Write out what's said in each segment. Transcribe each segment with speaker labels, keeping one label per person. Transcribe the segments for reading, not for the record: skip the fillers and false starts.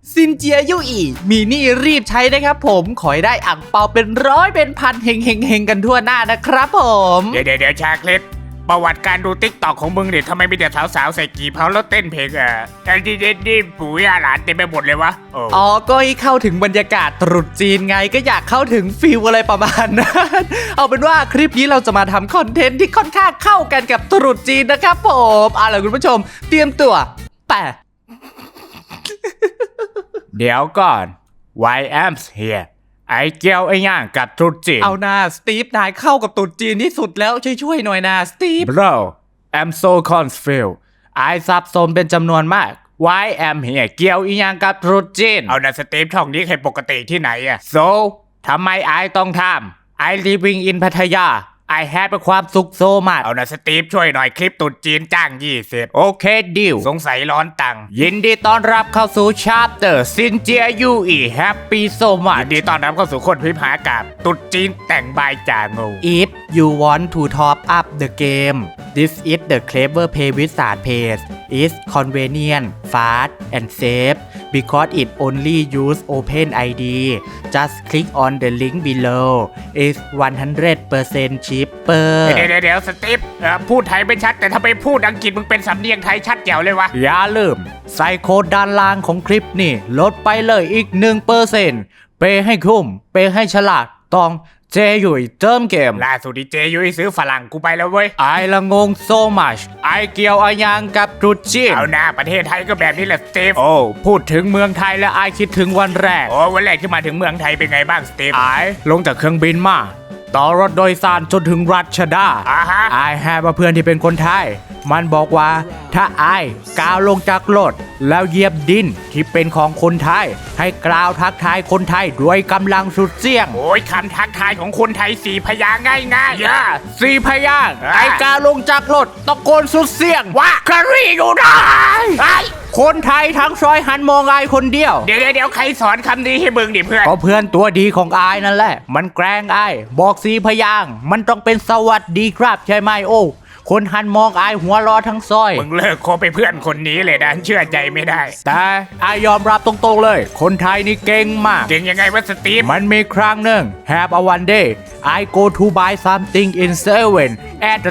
Speaker 1: ซินเจียยู่อีมีนี่รีบใช้นะครับผมขอให้ได้อ่างเปาเป็นร้อยเป็นพันเฮงกันทั่วหน้านะครับผม
Speaker 2: เดี๋ยวชาคลิปประวัติการดูติ๊กตอกของมึงเนี่ยทำไมมีแต่สาวๆใส่กี่เผาแล้วเต้นเพลงไอ้นี่ปู่ย่าหลานเต็มไปหมดเลยวะ
Speaker 1: อ๋อก็ให้เข้าถึงบรรยากาศตรุษจีนไงก็อยากเข้าถึงฟิลอะไรประมาณนั้นเอาเป็นว่าคลิปนี้เราจะมาทำคอนเทนต์ที่ค่อนข้างเข้ากันกับตรุษจีนนะครับผมเอาล่ะคุณผู้ชมเตรียมตัวไป
Speaker 2: เดี๋ยวก่อน Why am here ไอ้เกียวไอ้ย่างกับตรุษจีน
Speaker 1: เอาหน้าสตีฟนายเข้ากับตรุษจีนที่สุดแล้วช่วยหน่อยนะสตีฟ
Speaker 2: Bro I'm so confused ไอ้ซับซ้อนเป็นจำนวนมาก Why am here เกี่ยวอีหยังกับตรุษจีนเอานะสตีฟช่องนี้ใครปกติที่ไหนSo ทำไมไอ้ต้องทำ I living in พัทยาไอแฮปเป็นความสุขโซมากเอานะสตีฟช่วยหน่อยคลิปตุดจีนจ้าง20โอเคดิวสงสัยร้อนตังยินดีต้อนรับเข้าสู่ชาร์เตอร์ซินเจียยูอีแฮปปี้โซมากยินดีต้อนรับเข้าสู่คนพิพากาบตุดจีนแต่งบายจ่างู
Speaker 1: If you want to top up the game this is the clever pay wizard page is convenient fast and safe because it only use Open ID just click on the link below is 100% cheaper
Speaker 2: เดี๋ยวสตีฟพูดไทยไม่ชัดแต่ถ้าไปพูดอังกฤษมึงเป็นสำเนียงไทยชัดแจ๋วเลยวะ
Speaker 1: อย่าลืมใส่โค้ดด้านล่างของคลิปนี่ลดไปเลยอีก 1% เปย์ให้คุ้มเปย์ให้ฉลาดต้องเจยุยเติมเกม
Speaker 2: ล่าสุดดีเจยุยซื้อฝรั่งกูไปแล้วเว้ย
Speaker 1: ไอละงง so much ไอเกี่ยวอายังกับตรุษจีน
Speaker 2: เอาหน้าประเทศไทยก็แบบนี้แหละสตีฟ
Speaker 1: โอ้พูดถึงเมืองไทยแล้วไอคิดถึงวันแรก
Speaker 2: วันแรกที่มาถึงเมืองไทยเป็นไงบ้างสตีฟ
Speaker 1: ไอลงจากเครื่องบินมาต่อรถโดยสารจนถึงรัชดาไอแฮปเพื่อนที่เป็นคนไทยมันบอกว่าถ้าไอก้าวลงจากรถแล้วเหยียบดินที่เป็นของคนไทยให้กล่าวทักทายคนไทยด้วยกำลังสุดเสียง
Speaker 2: โอ้ยคำทักทายของคนไทย4 พยางค์ง่าย
Speaker 1: ย่า4 พยางค์ไอก้าวลงจากรถตะโกนสุดเสียง
Speaker 2: ว่าคารีอยู่ได้
Speaker 1: คนไทยทั้งซอยหันมองไอคนเดียว
Speaker 2: เดี๋ยวใครสอนคำนี้ให้มึงดิเพื่อน
Speaker 1: ก็เพื่อนตัวดีของไอนั่นแหละมันแกล้งไอบอก4 พยางค์มันต้องเป็นสวัสดีครับใช่ไหมโอ้คนหันมองไอหัวรอทั้งซอย
Speaker 2: มึงเลิกคบไปเพื่อนคนนี้เลยนะเชื่อใจไม่ได้
Speaker 1: แต่ไอยอมรับตรงๆเลยคนไทยนี่เก่งมาก
Speaker 2: เก่งยังไงวะสตีฟ
Speaker 1: มันมีครั้งหนึ่ง Have a one day I go to buy something in 7 at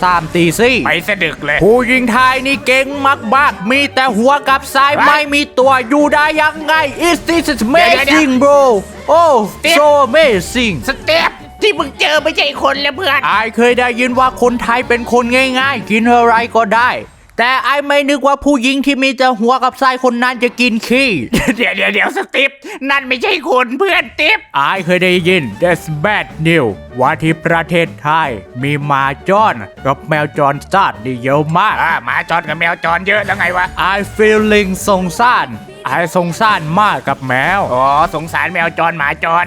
Speaker 1: 3
Speaker 2: ไปสะดึกเลย
Speaker 1: ผู้หญิงไทยนี่เก่งมากๆมีแต่หัวกับสายไม่มีตัวอยู่ได้ยังไง Is this amazing bro Oh so amazing
Speaker 2: สตีฟที่มึงเจอไม่ใช่คนแล้วเพื่อน
Speaker 1: ไอเคยได้ยินว่าคนไทยเป็นคนง่ายๆกินอะไรก็ได้แต่ไอไม่นึกว่าผู้หญิงที่มีแต่หัวกับไส้คนนั้นจะกินขี้
Speaker 2: เดี๋ยวสตีฟนั่นไม่ใช่คนเพื่อนสตีฟ
Speaker 1: ไอเคยได้ยิน That's bad news ว่าที่ประเทศไทยมีหมาจรกับแมวจรจัดนี่เยอะมาก
Speaker 2: หมาจรกับแมวจรเยอะแล้วไงวะ
Speaker 1: I feeling สงสารไอสงสารมากกับแมว
Speaker 2: สงสารแมวจรหมาจร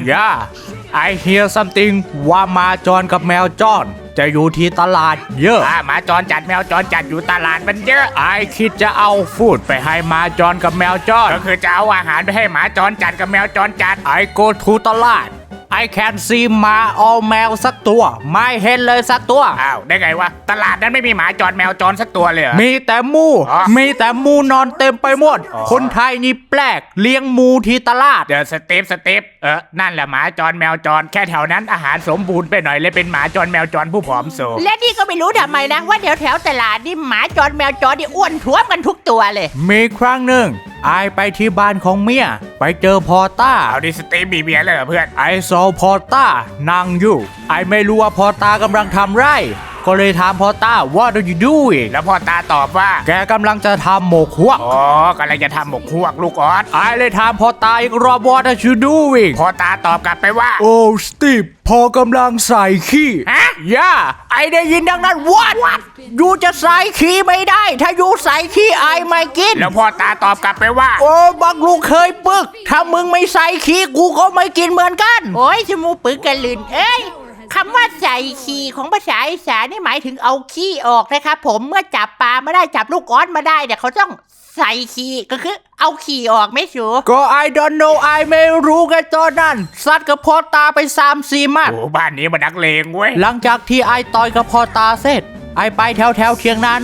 Speaker 1: I hear something ว่าหมาจรกับแมวจรจะอยู่ที่ตลาดเยอะ
Speaker 2: หมาจรจัดแมวจรจัดอยู่ตลาดมันเยอะ
Speaker 1: ไอคิดจะเอาฟูดไปให้หมาจรกับแมวจร
Speaker 2: ก็คือจะเอาอาหารไปให้หมาจรจัดกับแมวจรจัด
Speaker 1: I go to ตลาดI can see หมาเอาแมวสักตัวไม่เห็นเลยสักตัว
Speaker 2: ได้ไงวะตลาดนั้นไม่มีหมาจรแมวจรสักตัวเลย
Speaker 1: มีแต่หมูนอนเต็มไปหมดคนไทยนี่แปลกเลี้ยงหมูที่ตลาด
Speaker 2: เดี๋ยวสตีฟนั่นแหละหมาจรแมวจรแค่แถวนั้นอาหารสมบูรณ์ไปหน่อยเลยเป็นหมาจรแมวจรผู้ผอมโซ
Speaker 3: และนี่ก็ไม่รู้ทำไมนะว่าแถวตลาดนี่หมาจรแมวจรนี่อ้วนท้วมกันทุกตัวเลย
Speaker 1: มีครั้งหนึ่งไอไปที่บ้านของเมียไปเจอพอต้า
Speaker 2: เอาดิสตีฟมีเมียเลยเหรอเพื่อน
Speaker 1: ไอซอพอต้านั่งอยู่ไอไม่รู้ว่าพอต้ากำลังทำไรก็เลยถามพอต้า What are you doing
Speaker 2: แล้วพอตาตอบว่า
Speaker 1: แกกำลังจะทำหมกฮวก
Speaker 2: กำลังจะทำหมกฮวกลูกออส
Speaker 1: ไอเลยถามพอต้าอีกรอบ What are you doing
Speaker 2: พอตาตอบกลับไปว่า
Speaker 1: โอ้สตีฟพอกำลังใส่ขี้ไอได้ยินดังนั้น What ยูจะใส่ขี้ไม่ได้ถ้ายูใส่ขี้ไอไม่กิน
Speaker 2: แล้วพอตาตอบกลับไปว่า
Speaker 1: โอ้บักลูกเคยปึกถ้ามึงไม่ใส่ขี้กูก็ไม่กินเหมือนกัน
Speaker 3: โอ้ยชมูปึกกันลื่นคำว่าใส่ขี้ของภาษาอีสานนี่หมายถึงเอาขี้ออกนะครับผมเมื่อจับปลาไม่ได้จับลูกออสมาได้เนี่ยเขาต้องใส่ขี้ก็คือเอาขี้ออกไม่ชัว
Speaker 1: ก็ I don't know ไอไม่รู้กันตอนนั้นซัดกับพอตาไป3-4 มัด
Speaker 2: บ้านนี้มันนักเลงเว้ย
Speaker 1: หลังจากที่ไอต่อยกับพอตาเสร็จไอไปแถวเทียงนาน้อย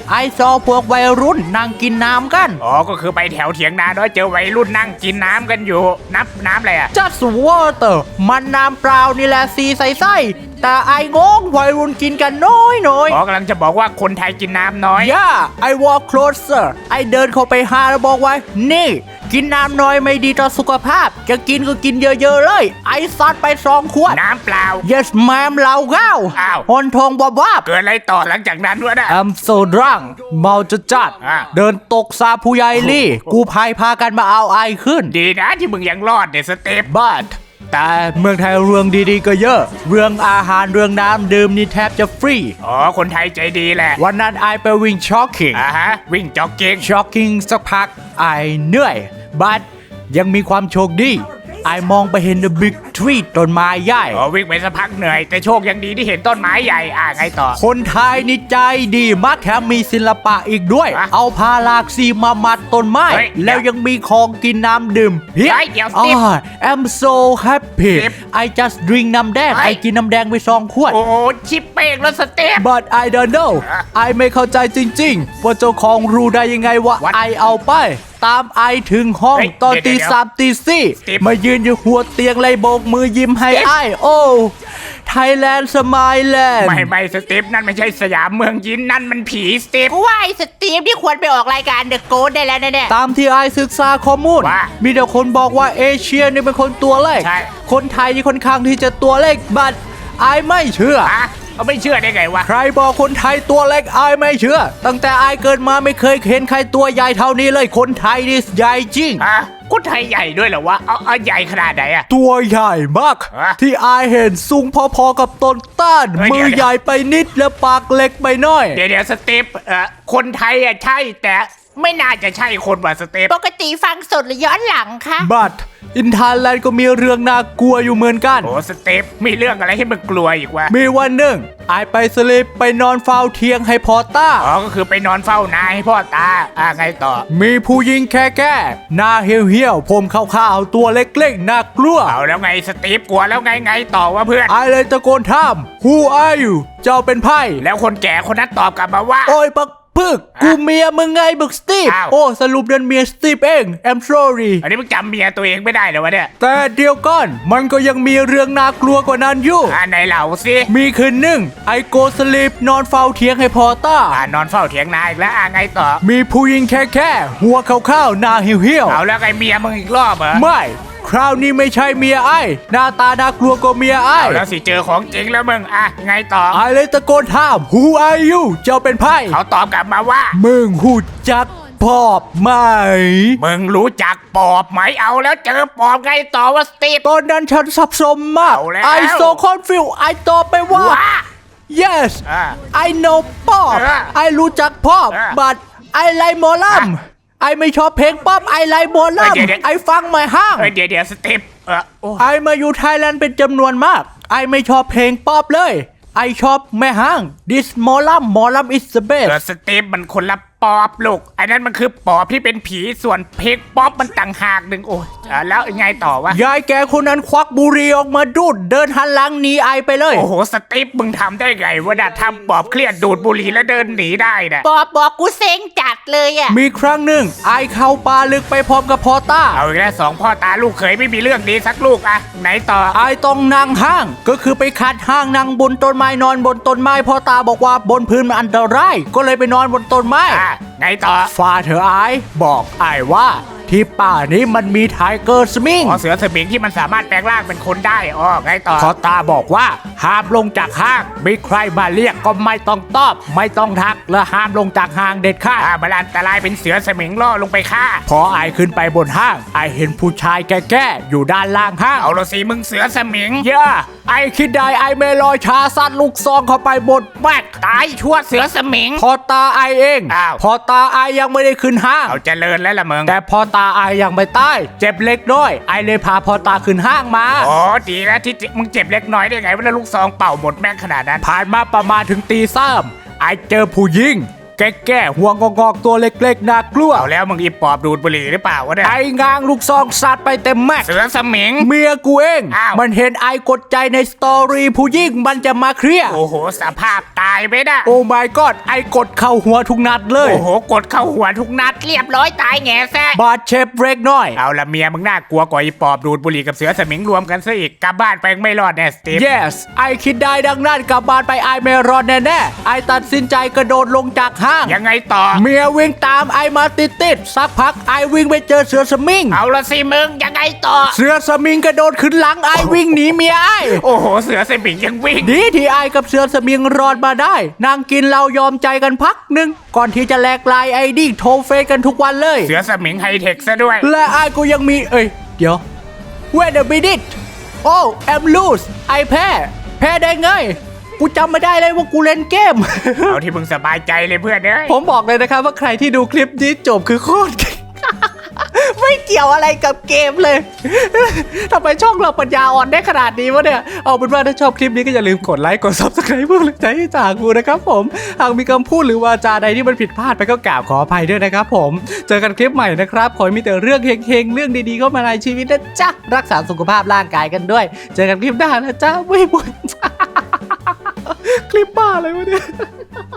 Speaker 1: ไอซอพวกวัยรุ่นนั่งกินน้ำกัน
Speaker 2: อ๋อก็คือไปแถวเถียงนาน้อยเจอวัยรุ่นนั่งกินน้ำกันอยู่น้ำอะไรอ่ะ
Speaker 1: just water มันน้ำเปล่านี่แหละสีใสๆแต่ไองงวัยรุ่นกินกันน้อย
Speaker 2: อ๋อกำลังจะบอกว่าคนไทยกินน้ำน้อย
Speaker 1: ย่า I walk closer ไอเดินเข้าไปหาแล้วบอกว่านี่กินน้ำน้อยไม่ดีต่อสุขภาพจะกินก็กินเยอะๆเลยไอซัดไป2 ขวด
Speaker 2: น้ำเปล่า
Speaker 1: yes ma'am เหล้าข้าว
Speaker 2: อ้าว
Speaker 1: หอนทองบวบ
Speaker 2: เกิดอะไรต่อหลังจากนั้นวะเนี่ย
Speaker 1: I'm so drunk เมาจะจัด
Speaker 2: อ่ะ
Speaker 1: เดินตกซาผู้ใหญ่ลี่ กูพายพากันมาเอาไอขึ้น
Speaker 2: ดีนะที่มึงยังรอดเนี่ยสเตป
Speaker 1: but แต่เมืองไทยเรื่องดีๆก็เยอะ เรื่องอาหารเรื่องน้ำดื่มนี่แทบจะฟรี
Speaker 2: อ๋อคนไทยใจดีแหละ
Speaker 1: วันนั้นไอไปวิ่งช็อกกิ้ง
Speaker 2: ฮะวิ่งจ็อกกิ้ง
Speaker 1: ช็อกกิ้งสักพักไอเหนื่อย but ยังมีความโชคดีไอมองไปเห็น the big tree ต้นไม้ใหญ่
Speaker 2: อ๋อวิ่งไปสักพักเหนื่อยแต่โชคยังดีที่เห็นต้นไม้ใหญ่ไงต่อ
Speaker 1: คนไทยนี่ใจดีมากแถมมีศิลปะอีกด้วย
Speaker 2: อ่ะ
Speaker 1: เอาพาลากสีมามัดต้นไม้
Speaker 2: เฮ้ย
Speaker 1: แล้วยังมีของกินน้ำดื่มเพีย
Speaker 2: เฮ้ยเดี๋ยวสิ
Speaker 1: I'm so happy
Speaker 2: สิบ
Speaker 1: I just drink น้ำแดง
Speaker 2: เฮ้
Speaker 1: ไอย กินน้ำแดงไป2 ขวด
Speaker 2: โอ้โหชิปเป้งแล้วสเตป
Speaker 1: but I don't know
Speaker 2: อ่ะ
Speaker 1: ไอไม่เข้าใจจริงๆ ว่าเจ้าของรู้ได้ยังไงว่า
Speaker 2: What?
Speaker 1: ไอเอาไป ตามไอถึงห้อง
Speaker 2: เฮ้ย
Speaker 1: ตอน
Speaker 2: เดี๋
Speaker 1: ตี
Speaker 2: ยว
Speaker 1: 3 ตี
Speaker 2: Steve
Speaker 1: 4มายืนอยู่หัวเตียงเลยโบกมือยิ้มให้
Speaker 2: Steve
Speaker 1: ไอโอ้ไทยแลนด์สมายแลนด์
Speaker 2: ไม่สเตปนั่นไม่ใช่สยามเมืองยินนั่นมันผีสเตป
Speaker 3: กูว่าไอ้สตีฟที่ควรไปออกรายการเดอะโกดได้แล้วนะเนี่ย
Speaker 1: ตามที่ไอศึกษาข้อมูล
Speaker 2: ว่า
Speaker 1: มีแต่คนบอกว่าเอเชียนี่เป็นคนตัวเล็ก
Speaker 2: ใช่
Speaker 1: คนไทยนี่ค่อนข้างที่จะตัวเล็ก but ไอไม่เชื่อ
Speaker 2: เขาไม่เชื่อได้ไงวะ
Speaker 1: ใครบอกคนไทยตัวเล็กไอไม่เชื่อ ตั้งแต่ไอเกิดมาไม่เคยเห็นใครตัวใหญ่เท่านี้เลย คนไทยนี่ใหญ่จริง
Speaker 2: คนไทยใหญ่ด้วยเหรอวะเอาใหญ่ขนาดไหนอะ
Speaker 1: ตัวใหญ่มาก
Speaker 2: ฮะ
Speaker 1: ที่ไอเห็นสูงพอๆกับต้นต้าน
Speaker 2: เฮ้ย
Speaker 1: มือ
Speaker 2: เดี๋ยว
Speaker 1: ใหญ่ไปนิดและปากเล็กไปหน่อย
Speaker 2: เดี๋ยวสเตปคนไทยอะใช่แต่ไม่น่าจะใช่คนว่ะสเตป
Speaker 3: ปกติฟังสดหรือย้อนหลังคะ
Speaker 1: บัตอินทาแลนด์ก็มีเรื่องน่ากลัวอยู่เหมือนกัน
Speaker 2: โอ้สเตปมีเรื่องอะไรให้มึงกลัวอีกวะ
Speaker 1: มีวันหนึ่งไอไปสลิปไปนอนเฝ้าเทียงให้พอต้า
Speaker 2: อ๋อก็คือไปนอนเฝ้านาให้พ่อตาไงต่อ
Speaker 1: มีผู้หญิงแค่หน้าเหี่ยวๆผมขาวๆตัวเล็กๆน่ากลัว
Speaker 2: เอาแล้วไงสตีฟกลัวแล้วไงต่อวะเพื่อน
Speaker 1: ไอเลยตะโกนถาม Who are you เจ้าเป็นไพ่
Speaker 2: แล้วคนแก่คนนั้นตอบกลับมาว่า
Speaker 1: โอ้ยปักพึกกูเมียมึงไงบึกสตีฟ
Speaker 2: อ้าว
Speaker 1: โอ้สรุปเดินเมียสตีฟเอง I'm sorry
Speaker 2: อันนี้มึงจำเมียตัวเองไม่ได้เหรอวะเนี่ย
Speaker 1: แต่เดียวก่อนมันก็ยังมีเรื่องน่ากลัวกว่านั้นอยู่
Speaker 2: ไหนเหล่าสิ
Speaker 1: มีคืนหนึ่งไอโกสลิปนอนเฝ้าเทียงให้พอต้า
Speaker 2: นอนเฝ้าเถียงนาอีกแล้วไงต่อ
Speaker 1: มีผู้หญิงแค่หัวขาวๆหน้าเหี่ยวๆ
Speaker 2: เอาแล้วไงเมียมึงอีกรอบเหรอ
Speaker 1: ไม่ คราวนี้ไม่ใช่เมียไอ้หน้าตาน่ากลัวกว่าเมียไอ้
Speaker 2: เอาแล้วสิเจอของจริงแล้วมึงไงต่อ
Speaker 1: ไอ้เลยตะโกนถาม Who are you เจ้าเป็นไพ่
Speaker 2: เขาตอบกลับมาว่า
Speaker 1: มึงหูจักปอบไหม
Speaker 2: มึงรู้จักปอบไหมเอาแล้วเจอปอบไงต่อวะสตีฟ
Speaker 1: ตอนนั้นฉันสับสนมาก
Speaker 2: เอาแล้ว
Speaker 1: ไอ้โซคอนฟิวไอ้ตอบไปว่า
Speaker 2: ว้า
Speaker 1: yes
Speaker 2: อ่า
Speaker 1: I know ป๊อบ
Speaker 2: เออ
Speaker 1: ไอ้รู้จักป๊อบ
Speaker 2: เออ
Speaker 1: but I like หมอลำไอ้ไม่ชอบเพลงป๊อบไอ้ไลค์หมอล
Speaker 2: เดี๋ยว
Speaker 1: ำไอ้ฟังไม่ห้าง
Speaker 2: เดี๋ยวสตีฟโอ้
Speaker 1: ไอมาอยู่ไทยแลนด์เป็นจำนวนมาก ไอไม่ชอบเพลงป๊อปเลย ไอชอบแม่ห้าง This หมอลำ is the best
Speaker 2: สตีฟมันคนละปอบลูกไอ้นั่นมันคือปอบที่เป็นผีส่วนเพลงป๊อปมันต่างหากหนึ่งโอ้แล้วไงต่อวะ
Speaker 1: ยายแกคนนั้นควักบุหรี่ออกมาดูด เดินหันหลังหนีไอไปเลย
Speaker 2: โอ้โหสตีฟมึงทำได้ไงวะน่ะทำปอบเครียดดูดบุหรี่แล้วเดินหนีได้น่ะ
Speaker 3: ปอบบอกกูเซ็งจัดเลยอะ
Speaker 1: มีครั้งหนึ่งไอเข้าป่าลึกไปพร้อมกับพอต้า
Speaker 2: เอาอีกแล้วสองพ่อตาลูกเขยไม่มีเรื่องดีสักลูกไหนต่อ
Speaker 1: ไอต้องนั่งห้าง ก็คือไปคัดห้างนั่งบนต้นไม้นอนบนต้นไม้พ่อตาบอกว่าบนพื้นมันอันตราย ก็เลยไปนอนบนต้นไม้
Speaker 2: ไงต่อ
Speaker 1: ฟาเธอไอบอกไอว่าที่ป่านี้มันมีไทเกอร์สมิง
Speaker 2: เสือสมิงที่มันสามารถแปลงร่างเป็นคนได้ไงต่อ
Speaker 1: พ่อตาบอกว่าห้ามลงจากห้างมีใครมาเรียกก็ไม่ต้องตอบ ไม่ต้องทักและห้ามลงจากห้างเด็ดขาด
Speaker 2: มันอันตรายเป็นเสือสมิงล่อลงไปฆ่า
Speaker 1: พอไอขึ้นไปบนห้างไอเห็นผู้ชายแก่ๆอยู่ด้านล่างห้าง
Speaker 2: เอาละสิมึงเสือสมิง
Speaker 1: ย่าไอคิดได้ไอเมลอยชาซัดลูกซองเข้าไปบนแบก
Speaker 2: ตายชั่วเสือสมิง
Speaker 1: พอตาไอเอง
Speaker 2: อ้าว
Speaker 1: พอตาไอยังไม่ได้ขึ้นห้าง
Speaker 2: เอาเจริญแล้วล่ะมึง
Speaker 1: แต่พอตาไอยังไม่ตายเจ็บเล็กน้อยไอเลยพาพอตาขึ้นห้างมา
Speaker 2: อ๋อดีแล้วที่มึงเจ็บเล็กน้อยได้ไงว่าลูกซองเป่าหมดแม่งขนาดนั้น
Speaker 1: ผ่านมาประมาณถึงตีสามไอเจอผู้หญิง
Speaker 2: แก่ๆหัวงอกๆตัวเล็กๆน่ากลัวเอาแล้วมึงอีปอบดูดบุหรี่หรือเปล่าวะเนี่ยไอ้งางลูกซองสัตว์ไปเต็มแม็ก
Speaker 4: เสือสมิง
Speaker 2: เมียกูเอง
Speaker 4: อ้าว
Speaker 2: มันเห็นไอกดใจในสตอรี่ผู้หญิงมันจะมาเคลียร์
Speaker 4: โอ้โหสภาพตายไปนะ
Speaker 2: โอ้ my god ไอกดเข้าหัวทุกนัดเลย
Speaker 4: โอ้โหกดเข้าหัวทุกนัด
Speaker 3: เรียบร้อยตายแง่แซ่
Speaker 2: บาดเจ็บเล็กน้อย
Speaker 4: เอาละเมียมึงน่ากลัวกว่าอีปอบดูดบุหรี่กับเสือสมิงรวมกันซะอีกกลับบ้านไปไม่รอดแน่สตีฟ
Speaker 2: yes ไอคิดได้ดังนั้นกลับบ้านไปไอไม่รอดแน่ๆไอตัดสินใจกระโดดลงจากห้าง
Speaker 4: ยังไงต่อ
Speaker 2: เมียวิ่งตามไอมาติดๆสักพักไอวิ่งไปเจอเสือสมิง
Speaker 4: เอาละสิมึงยังไงต่อ
Speaker 2: เสือสมิงกระโดดขึ้นหลังไอวิ่งหนีเมียไอ
Speaker 4: โอ้โหเสือสมิงยังวิ่ง
Speaker 2: ดีที่ไอกับเสือสมิงรอดมาได้นางกินเรายอมใจกันพักหนึ่งก่อนที่จะแลกไลน์ไอดีโทรเฟซกันทุกวันเลย
Speaker 4: เสือสมิงไฮเทคซะด้วย
Speaker 2: และไอกูยังมีเดี๋ยว wait a minute โอ้ I'm lose ไอแพ้ได้ไงกูจำไม่ได้เลยว่ากูเล่นเกม
Speaker 4: เอาที่มึงสบายใจเลยเพื่อนเอ้ย
Speaker 2: ผมบอกเลยนะครับว่าใครที่ดูคลิปนี้จบคือโคตรเก่ง ไม่เกี่ยวอะไรกับเกมเลย ทำไมช่องเราปัญญาอ่อนได้ขนาดนี้วะเนี่ย เอาเป็นว่าถ้าชอบคลิปนี้ก็อย่าลืมกดไลค์กด Subscribe เพื่อเป็นกำลังใจให้จากกูนะครับผมหากมีคำพูดหรือวาจาใดที่มันผิดพลาดไปก็กราบขออภัยด้วยนะครับผมเจอกันคลิปใหม่นะครับขอให้มีแต่เรื่องเฮงๆเรื่องดีๆเข้ามาในชีวิตนะจ๊ะรักษาสุขภาพร่างกายกันด้วย เจอกันคลิปหน้านะจ๊ะไม่บ่น คลิปบ้าอะไรวะเนี่ย